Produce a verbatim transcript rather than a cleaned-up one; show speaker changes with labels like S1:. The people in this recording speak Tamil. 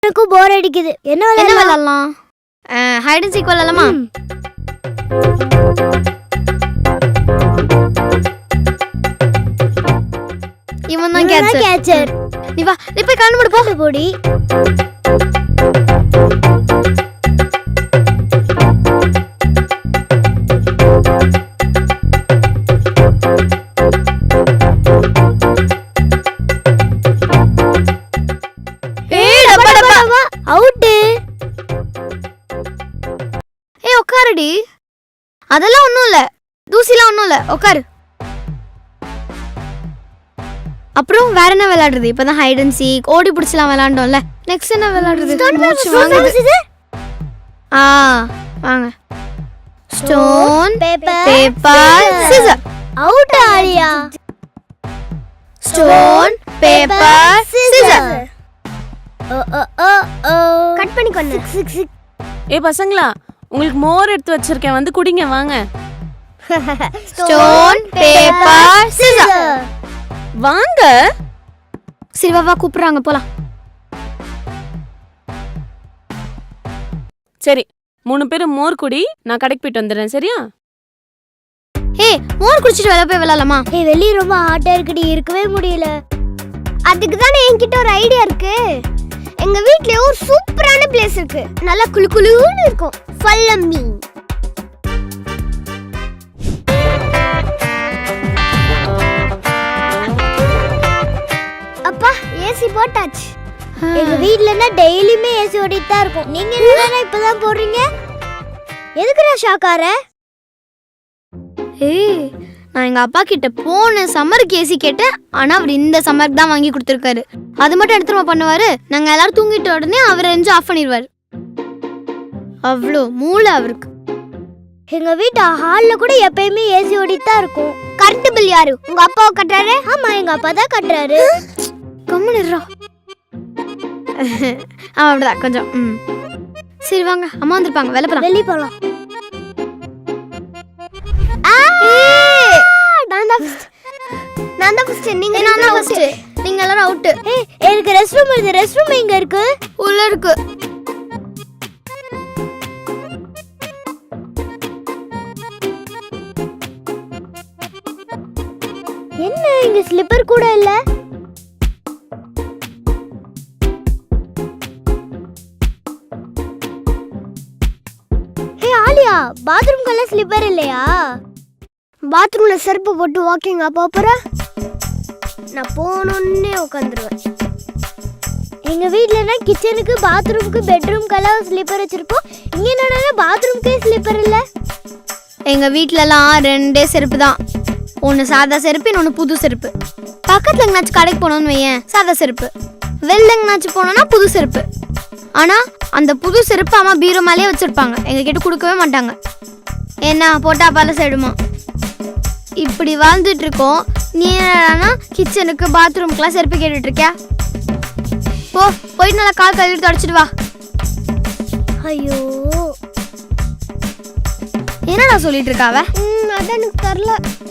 S1: எனக்கு போர் அடிக்குது. என்ன
S2: என்ன விளையாடலாம்? ஹைட் அண்ட் சீக் விளையாடலாமா? இவன் தான் கேட்சர்.
S1: கேட்சர்.
S2: நீ வா, நீ போய் கண்ணு மூடு போ.
S1: போடி.
S2: ஏய் டப்பா டப்பா.
S1: அவுட்.
S2: ஏய் உட்காருடி. அதெல்லாம் ஒண்ணும் இல்ல. தூசிலாம் ஒண்ணும் இல்ல. உட்காரு. அப்புறம் வேற என்ன விளையாடுறது? இப்பதான் ஹைட் அண்ட் சீக் ஓடி பிடிச்சலாம் விளையாண்டோம்ல. நெக்ஸ்ட் என்ன விளையாடுறது? மூச்சு வாங்குது. ஆ வாங்க. Stone paper scissor.
S1: Out Aaliya.
S2: Stone paper scissor.
S1: ஓ ஓ ஓ ஓ. கட் பண்ணி கொன்னு. Sick sick.
S3: ஏ பசங்களா, உங்களுக்கு மோர் எடுத்து வச்சிருக்கேன், வந்து குடிங்க வாங்க.
S2: Stone paper scissor.
S3: வாங்க.
S2: சரி வா வா கூப்பிடுறாங்க போலாம்.
S3: சரி, மூணு பேரும் மோர் குடி, நான் கடைக்கு போயிட்டு வந்துடுறேன். சரியா?
S2: ஏய் மோர் குடிச்சிட்டு வெளிய போய் விளையாடலாமா?
S1: ஏய் வெளிய ரொம்ப ஹாட்டா இருக்குடி, இருக்கவே முடியல. அதுக்கு தானே என்கிட்ட ஒரு ஐடியா இருக்கு. எங்க வீட்லயே ஒரு சூப்பரான பிளேஸ் இருக்கு. நல்லா குளு குளுன்னு இருக்கும். Follow me. அப்பா ஏசி போட்டாச்சு. எங்க வீட்லனா டெய்லியுமே ஏசி ஓடிட்டு தான் இருக்கும். நீங்க என்னன்னா இப்பதான் போடுறீங்க? எதுக்குடா ஷாக்கார?
S2: ஏய் நான் எங்க அப்பா கிட்ட போன சம்மருக்கு ஏசி கேட்டேன். ஆனா அவர் இந்த சம்மருக்கு தான் வாங்கி கொடுத்துருக்காரு. அது மட்டும் எடுத்துமா பண்ணுவாரு. நாங்க எல்லாரும் தூங்கிட்ட உடனே அவர் ரெஞ்சு ஆஃப் பண்ணிடுவாரு. அவ்வளோ மூளை அவருக்கு.
S1: எங்க வீட்டு ஹால்ல கூட எப்பயுமே ஏசி ஓடிட்டு தான் இருக்கும். கரண்ட் பில் யாரு? உங்க அப்பாவை கட்டுறாரு? ஆமா எங்க அப்பா தான் கட்டுறாரு.
S2: கம்முனுறா. ஆமா அப்படிதான் கொஞ்சம். ம் சரி வாங்க, அம்மா வந்திருப்பாங்க, வெளில போலாம்.
S1: வெளிய போலாம். நான் தான் ஃபர்ஸ்ட். நான் தான் ஃபர்ஸ்ட். நீங்க
S2: நான் தான் ஃபர்ஸ்ட். நீங்க எல்லாரும் அவுட்.
S1: ஏய் எனக்கு ரெஸ்ட் ரூம் இருக்கு. ரெஸ்ட் ரூம் எங்க இருக்கு?
S2: உள்ள இருக்கு.
S1: என்ன இங்க ஸ்லிப்பர் கூட இல்ல? ஹே ஆலியா, பாத்ரூம்க்குள்ள ஸ்லிப்பர் இல்லையா? பாத்ரூம்ல செருப்பு போட்டு வாக்கிங் அப்ப போற? நான் போனோன்னே உட்காந்துருவேன். எங்க வீட்லனா கிச்சனுக்கு பாத்ரூமுக்கு பெட்ரூம்க்கெல்லாம் ஸ்லிப்பர் வச்சிருப்போம். இங்க என்னன்னா பாத்ரூம்க்கே ஸ்லிப்பர் இல்ல.
S2: எங்க வீட்லலாம் ரெண்டே செருப்பு தான். ஒன்று சாதா செருப்பு, இன்னொன்று புது செருப்பு. பக்கத்தில் எங்கேனாச்சும் கடைக்கு போனோன்னு வையேன், சாதா செருப்பு. வெளில எங்கேனாச்சும் போனோன்னா புது செருப்பு. ஆனால் அந்த புது செருப்பு அம்மா பீரோ மேலேயே வச்சுருப்பாங்க. எங்ககிட்ட கொடுக்கவே மாட்டாங்க. ஏன்னா போட்டா பல சைடுமா. இப்படி வாழ்ந்துட்டு இருக்கோம். நீ என்னன்னா கிச்சனுக்கு பாத்ரூம்க்குலாம் செருப்பு கேட்டுட்டு இருக்கியா? போ போயிட்டு நல்லா கால் கழுவிட்டு தொடச்சிட்டு வா.
S1: ஐயோ
S2: என்னடா சொல்லிட்டு இருக்காவ?
S1: அதான் எனக்கு தெரியல.